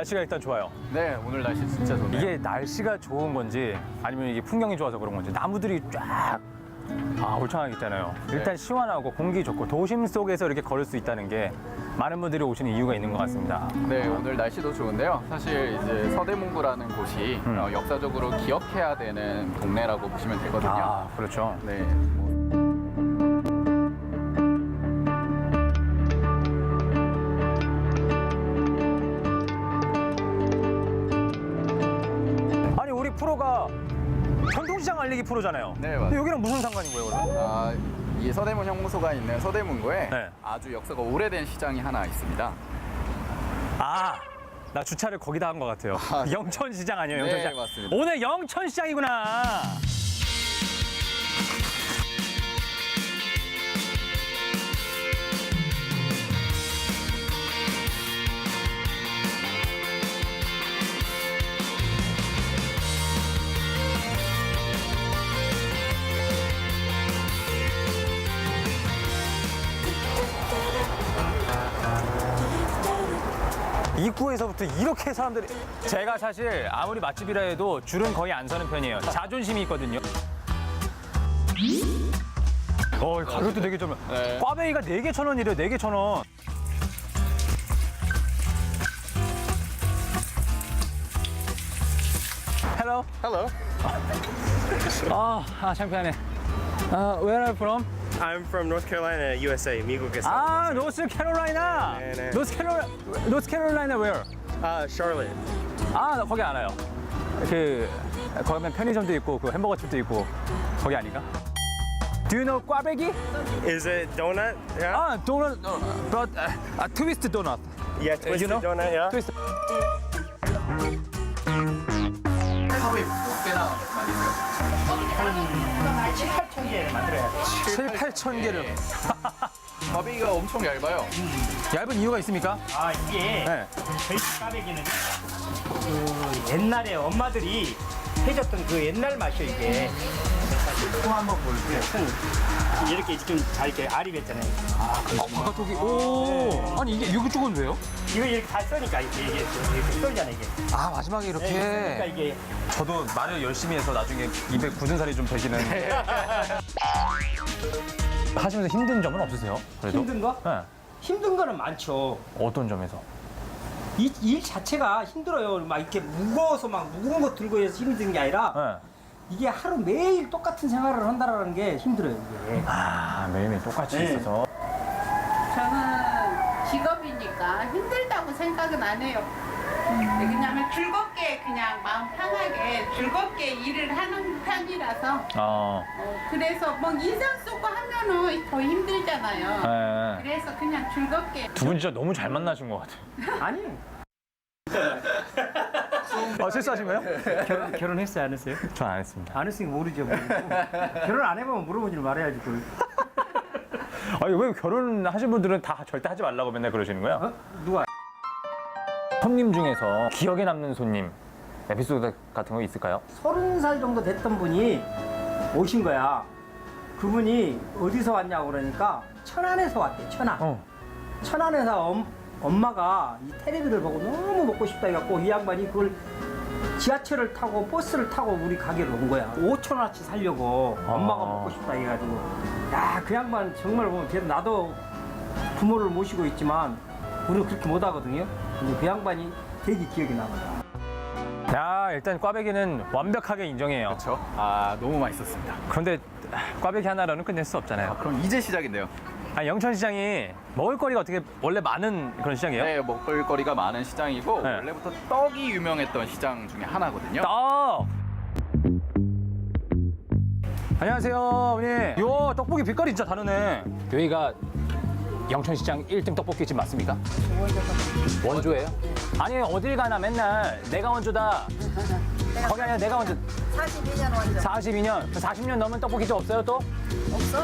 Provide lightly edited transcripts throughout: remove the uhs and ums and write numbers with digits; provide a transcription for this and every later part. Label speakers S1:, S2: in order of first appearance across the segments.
S1: 날씨가 일단 좋아요.
S2: 네, 오늘 날씨 진짜 좋네요.
S1: 이게 날씨가 좋은 건지 아니면 이게 풍경이 좋아서 그런 건지 나무들이 쫙 울창하게 있잖아요. 일단 시원하고 공기 좋고 도심 속에서 이렇게 걸을 수 있다는 게 많은 분들이 오시는 이유가 있는 것 같습니다.
S2: 네, 오늘 날씨도 좋은데요. 사실 이제 서대문구라는 곳이 역사적으로 기억해야 되는 동네라고 보시면 되거든요.
S1: 아, 그렇죠.
S2: 네.
S1: 아니 우리 프로가 전통시장 알리기 프로잖아요.
S2: 네, 맞아요.
S1: 근데 여기랑 무슨 상관인 거예요, 그럼?
S2: 이 서대문 형무소가 있는 서대문구에
S1: 네.
S2: 아주 역사가 오래된 시장이 하나 있습니다.
S1: 나 주차를 거기다 한 것 같아요. 영천시장 아니에요,
S2: 네,
S1: 영천시장.
S2: 맞습니다.
S1: 오늘 영천시장이구나. 입구에서부터 이렇게 사람들이 제가 사실 아무리 맛집이라 해도 줄은 거의 안 서는 편이에요. 자존심이 있거든요. 가격도 되게 좀
S2: 네.
S1: 꽈배기가 4개 1,000원이래요. 4개 1,000원. Hello.
S2: Hello.
S1: 창피하네. Where are you from?
S3: I'm from North Carolina, USA. 미국에서.
S1: 노스 캐롤라이나.
S3: 네, 네.
S1: 노스 캐롤라이나 where?
S3: Charlotte.
S1: 나 거기 알아요. 거기 가면 편의점도 있고 그 햄버거집도 있고 거기 아닌가? Do you know 꽈배기?
S3: Is it donut? Yeah.
S1: Donut, but twist donut.
S3: Yeah, twisted
S1: you know?
S3: donut. Yeah.
S1: Twist.
S2: 하루에 몇 개나 만드세요?
S1: 7,000-8,000 개를.
S2: 꽈배기가 엄청 얇아요.
S1: 얇은 이유가 있습니까?
S4: 이게
S1: 네.
S4: 저희 꽈배기는 그 옛날에 엄마들이 해줬던 그 옛날 맛이에요 이게. 콩 한번 볼게요. 콩 이렇게 지금 잘 이렇게 알이 뱉잖아요.
S1: 바깥쪽이 아니 이쪽은 왜요?
S4: 이거 이렇게 다 써니까 이게 썰잖아 이게.
S1: 마지막에 이렇게.
S4: 그러니까 이게
S1: 저도 말을 열심히 해서 나중에 입에 굳은 살이 좀 배기는. 하시면서 힘든 점은 없으세요? 그래도?
S4: 힘든 거?
S1: 네.
S4: 힘든 거는 많죠.
S1: 어떤 점에서?
S4: 이 일 자체가 힘들어요. 막 이렇게 무거워서 막 무거운 거 들고 해서 힘든 게 아니라
S1: 네.
S4: 이게 하루 매일 똑같은 생활을 한다라는 게 힘들어요 이게.
S1: 매일매일 똑같이
S4: 네.
S1: 있어서.
S5: 저는 직업이니까 힘들다고 생각은 안 해요. 왜냐면 즐겁게 그냥 마음 편하게 즐겁게 일을 하는 편이라서 그래서 뭐 인상 쓰고 하면은 더 힘들잖아요.
S1: 네.
S5: 그래서 그냥 즐겁게
S1: 두 분 진짜 너무 잘 만나신 것 같아요.
S4: 아니
S1: 실수하신 거예요?
S4: 결혼했어요 안 했어요?
S1: 전 안 했습니다.
S4: 안 했으니까 모르죠. 모르고. 결혼 안 해보면 물어보지 말아야지. 그걸.
S1: 왜 결혼하신 분들은 다 절대 하지 말라고 맨날 그러시는 거야?
S4: 누가?
S1: 손님 중에서 기억에 남는 손님 에피소드 같은 거 있을까요?
S4: 30살 정도 됐던 분이 오신 거야. 그분이 어디서 왔냐고 그러니까 천안에서 왔대. 천안. 천안에서 엄마가 이 텔레비를 보고 너무 먹고 싶다 해갖고 이 양반이 그걸 지하철을 타고 버스를 타고 우리 가게로 온 거야. 5,000원어치 살려고 엄마가 먹고 싶다 해가지고. 야, 그 양반 정말 보면 그래도 나도 부모를 모시고 있지만 우리는 그렇게 못 하거든요. 근데 그 양반이 되게 기억이 남아요.
S1: 일단 꽈배기는 완벽하게 인정해요.
S2: 그렇죠? 너무 맛있었습니다.
S1: 그런데 꽈배기 하나로는 끝낼 수 없잖아요.
S2: 그럼 이제 시작인데요.
S1: 영천시장이 먹을거리가 어떻게 원래 많은 그런 시장이에요?
S2: 네, 먹을거리가 많은 시장이고
S1: 네.
S2: 원래부터 떡이 유명했던 시장 중에 하나거든요.
S1: 떡! 안녕하세요, 어머니. 요 떡볶이 빛깔이 진짜 다르네. 여기가 영천시장 1등 떡볶이집 맞습니까? 원조예요? 아니, 어딜 가나 맨날 내가 원조다. 거기 아니라 내가 원조.
S6: 42년 원조.
S1: 42년? 40년 넘은 떡볶이집 없어요, 또?
S6: 없어?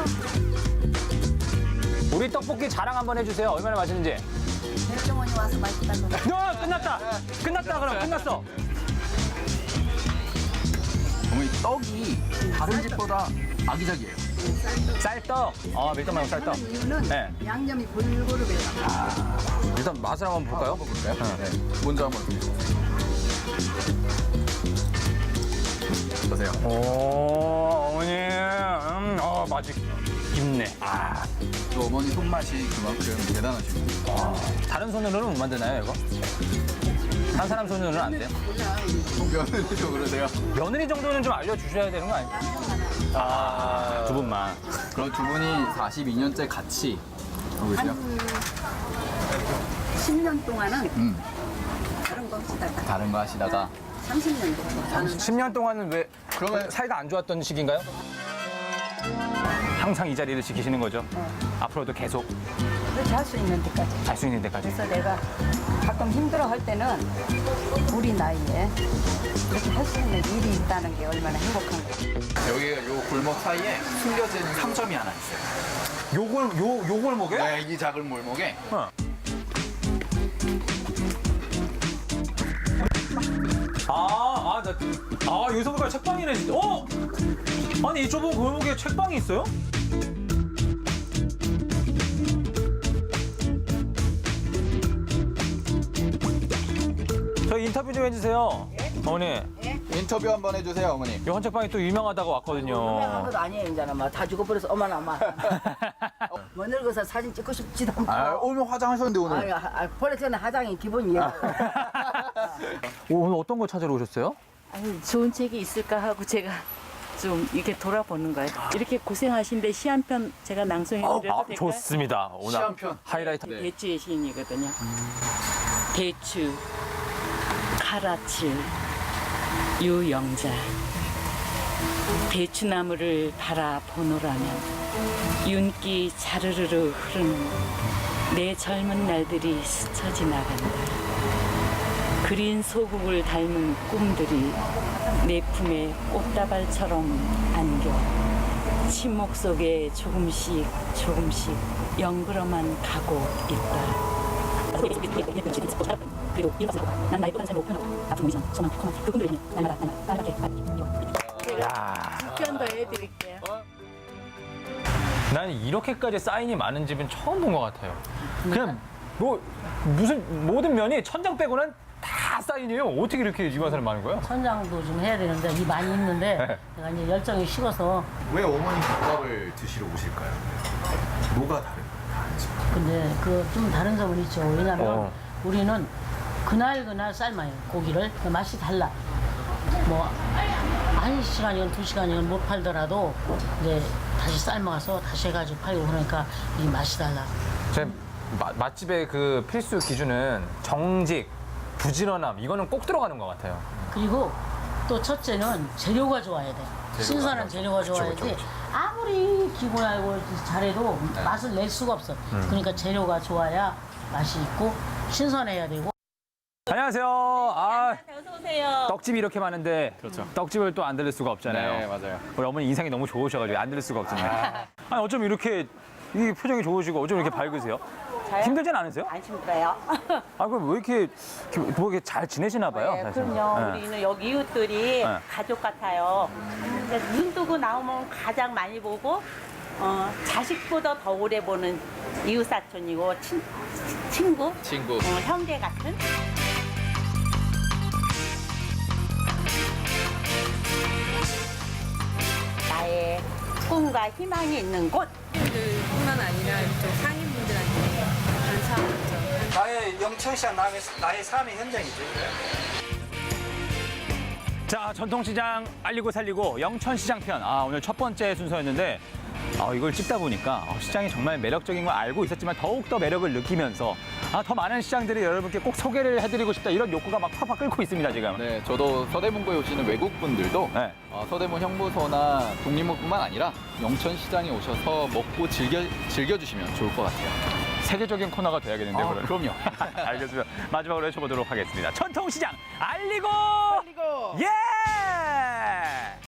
S1: 우리 떡볶이 자랑 한번 해주세요. 얼마나 맛있는지.
S6: 백종원이 와서 맛있다고.
S1: 끝났다! 끝났다, 그럼. 끝났어.
S2: 어머니 떡이 다른 집보다 아기자기해요.
S1: 쌀떡. 밀떡 말고 쌀떡.
S6: 하는 이유는
S1: 네.
S6: 양념이 골고루 배요.
S1: 일단 맛을 한번 볼까요?
S2: 볼까요? 네. 먼저 한번 보세요.
S1: 오, 어머니. 맛이 깊네.
S2: 또 어머니 손맛이 그만큼 대단하시고.
S1: 다른 손으로는 못 만드나요, 이거? 한 사람 손으로는 안 돼요?
S2: 며느리도 그러세요?
S1: 며느리 정도는 좀 알려주셔야 되는 거 아니에요? 두 분만.
S2: 그럼 두 분이 42년째 같이 하고 계세요?
S6: 10년 동안은 다른 거 하시다가
S2: 다른 거 하시다가
S6: 30년 됐고 저는
S1: 10년 동안은 왜
S2: 그러면
S1: 사이가 안 좋았던 시기인가요? 항상 이 자리를 지키시는 거죠? 앞으로도 계속
S6: 그렇게 할 수 있는 데까지.
S1: 할 수 있는 데까지.
S6: 그래서 내가 가끔 힘들어 할 때는 우리 나이에 이렇게 할 수 있는 일이 있다는 게 얼마나 행복한 거야.
S2: 여기 요 골목 사이에 숨겨진 상점이 하나 있어요.
S1: 요 골목에?
S2: 네, 이 작은 골목에
S1: 여기서 보니까 책방이네, 진짜. 아니, 이 좁은 골목에 책방이 있어요? 저희 인터뷰 좀 해주세요. 어머니,
S2: 인터뷰 한번 해주세요, 어머니.
S1: 이 헌책방이 또 유명하다고 왔거든요.
S7: 유명한 것도 아니에요, 이제는 막 다 죽어버려서 어머나 막. 뭐 늙어서 사진 찍고 싶지도 않고.
S2: 오늘 화장하셨는데 오늘.
S7: 버릇 전에 화장이 기본이에요.
S1: 오늘 어떤 걸 찾으러 오셨어요?
S8: 아니, 좋은 책이 있을까 하고 제가 좀 이렇게 돌아보는 거예요. 이렇게 고생하신데 시 한 편 제가 낭송해드려도 될까요?
S1: 좋습니다. 오늘
S2: 시 한 편.
S1: 하이라이트.
S2: 네.
S8: 대추의 시인이거든요. 대추, 카라칠, 유영자. 대추나무를 바라보노라면 윤기 자르르르 흐르는 내 젊은 날들이 스쳐 지나간다. 그린 소국을 닮은 꿈들이 내 품에 꽃다발처럼 안겨 침묵 속에 조금씩 조금씩 영그러만 가고 있다. 그리고 일어서고 난 나의 또 다른 삶을 목표하고 앞으로 미션 소망 커만 그 꿈들을 향해 날마다 빨갛게 편도 해드릴게요.
S1: 난 이렇게까지 사인이 많은 집은 처음 본 것 같아요. 그냥 뭐 무슨 모든 면이 천장 빼고는 다 사인이에요. 어떻게 이렇게 이관사를 많은 거예요?
S9: 천장도 좀 해야 되는데 이 많이 있는데
S1: 네.
S9: 내가 이제 열정이 식어서
S10: 왜 어머니 국밥을 드시러 오실까요? 뭐가 다른 거예요?
S9: 근데 그 좀 다른 점은 있죠. 왜냐면 우리는 그날 삶아요 고기를. 그 맛이 달라. 뭐 1시간이건 2시간이건 못 팔더라도 이제 다시 삶아서 다시 해가지고 팔고 그러니까 이 맛이 달라.
S1: 제 맛집의 그 필수 기준은 정직, 부지런함 이거는 꼭 들어가는 것 같아요.
S9: 그리고 또 첫째는 재료가 좋아야 돼. 신선한 재료가 좋아야지. 아무리 기본 알고 잘해도 맛을 낼 수가 없어. 그러니까 재료가 좋아야 맛이 있고 신선해야 되고.
S1: 안녕하세요.
S8: 어서 오세요.
S1: 떡집이 이렇게 많은데 떡집을 또 안 들릴 수가 없잖아요.
S2: 네, 맞아요.
S1: 우리 어머니 인상이 너무 좋으셔가지고 안 들릴 수가 없잖아요. 아니 어쩜 이렇게 이 표정이 좋으시고 어쩜 이렇게 밝으세요? 힘들진 않으세요?
S8: 안 힘들어요.
S1: 그럼 왜 이렇게 뭐 이렇게 잘 지내시나 봐요?
S8: 네,
S1: 사실은.
S8: 그럼요.
S1: 네.
S8: 우리는 여기 이웃들이
S1: 네.
S8: 가족 같아요. 이제 눈 뜨고 나오면 가장 많이 보고 자식보다 더 오래 보는 이웃 사촌이고 친구, 형제 같은. 나의 꿈과 희망이 있는 곳.
S11: 뿐만 아니라 이쪽 상인분들한테 감사하죠.
S4: 나의 영천시장 나의 삶의 현장이지.
S1: 자, 전통시장 알리고 살리고 영천시장 편. 오늘 첫 번째 순서였는데 이걸 찍다 보니까 시장이 정말 매력적인 걸 알고 있었지만 더욱더 매력을 느끼면서 더 많은 시장들이 여러분께 꼭 소개를 해드리고 싶다 이런 욕구가 막 팍팍 끓고 있습니다, 지금.
S2: 네, 저도 서대문구에 오시는 외국분들도
S1: 네.
S2: 서대문 형무소나 독립문뿐만 아니라 영천시장에 오셔서 먹고 즐겨주시면 좋을 것 같아요.
S1: 세계적인 코너가 돼야겠는데, 그러면.
S2: 그럼요.
S1: 알겠습니다. 마지막으로 해쳐보도록 하겠습니다. 전통시장 알리고! 예!